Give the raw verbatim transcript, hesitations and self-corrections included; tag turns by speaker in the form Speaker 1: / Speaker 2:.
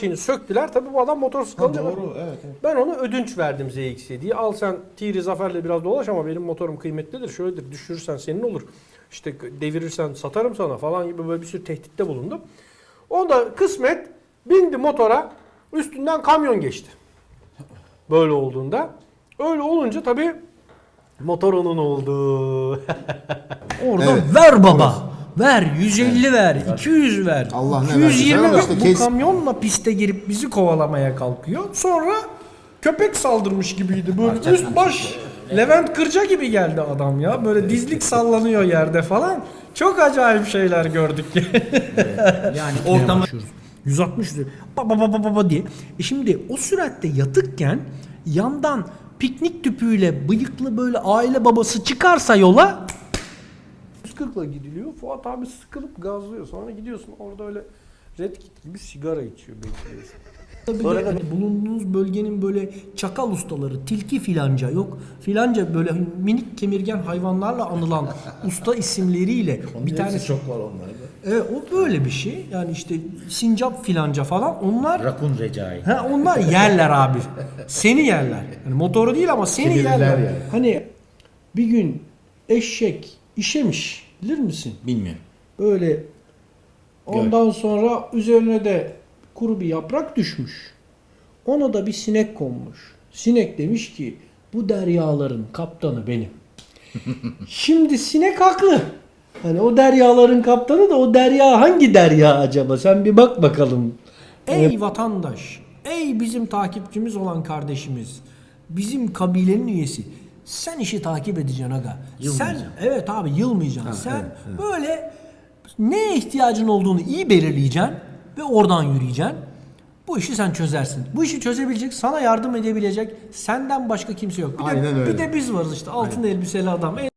Speaker 1: Şimdi söktüler. Tabii bu adam motorsuz kalınca ben,
Speaker 2: Doğru, evet, evet.
Speaker 1: ben ona ödünç verdim Z X'e diye. Al sen Tiri Zafer'le biraz dolaş ama benim motorum kıymetlidir. Şöyledir, düşürürsen senin olur. İşte devirirsen satarım sana falan gibi böyle bir sürü tehditte bulundum. O da kısmet bindi motora, üstünden kamyon geçti. Böyle olduğunda. Öyle olunca tabii motor onun oldu.
Speaker 3: Orada
Speaker 2: Evet.
Speaker 3: ver baba. Ver yüz elli ver, iki yüz ver.
Speaker 2: Allah ne
Speaker 3: iki yüz yirmi
Speaker 2: verdiyse
Speaker 3: ver.
Speaker 2: işte
Speaker 3: Bu
Speaker 2: kes-
Speaker 3: kamyonla piste girip bizi kovalamaya kalkıyor. Sonra köpek saldırmış gibiydi. Böyle üst baş Levent Kırca gibi geldi adam ya. Böyle dizlik sallanıyor yerde falan. Çok acayip şeyler gördük. Yani ortama yüz altmış baba baba baba diye. E şimdi o süratte yatıkken yandan piknik tüpüyle bıyıklı böyle aile babası çıkarsa yola
Speaker 1: yüz kırkla gidiliyor. Fuat abi sıkılıp gazlıyor. Sonra gidiyorsun orada öyle Red Kit gibi sigara içiyor, bekliyorsun.
Speaker 3: tabii
Speaker 1: Sonra
Speaker 3: de
Speaker 1: da-
Speaker 3: hani bulunduğunuz bölgenin böyle çakal ustaları, tilki filanca yok. Filanca böyle minik kemirgen hayvanlarla anılan usta isimleriyle bir tane
Speaker 4: çok var onlarda.
Speaker 3: Evet, o böyle bir şey. Yani işte sincap filanca falan onlar
Speaker 4: Rakun Recai.
Speaker 3: ha, onlar yerler abi. Seni yerler. Yani motoru değil ama seni
Speaker 4: Kibirliler
Speaker 3: yerler.
Speaker 4: yani.
Speaker 3: Hani bir gün eşek işemiş bilir misin?
Speaker 4: Bilmiyorum.
Speaker 3: Böyle ondan sonra üzerine de kuru bir yaprak düşmüş. Ona da bir sinek konmuş. Sinek demiş ki bu deryaların kaptanı benim. Şimdi sinek haklı. Hani o deryaların kaptanı da o derya hangi derya acaba? Sen bir bak bakalım. Ey vatandaş, ey bizim takipçimiz olan kardeşimiz, bizim kabilenin üyesi. Sen işi takip edeceksin aga. Sen
Speaker 4: Yılmayacaksın.
Speaker 3: evet abi yılmayacaksın. Sen
Speaker 4: evet, evet.
Speaker 3: böyle neye ihtiyacın olduğunu iyi belirleyeceksin ve oradan yürüyeceksin. Bu işi sen çözersin. Bu işi çözebilecek, sana yardım edebilecek senden başka kimse yok. Bir,
Speaker 2: Aynen
Speaker 3: de,
Speaker 2: öyle.
Speaker 3: bir de biz varız işte altın elbiseli adam.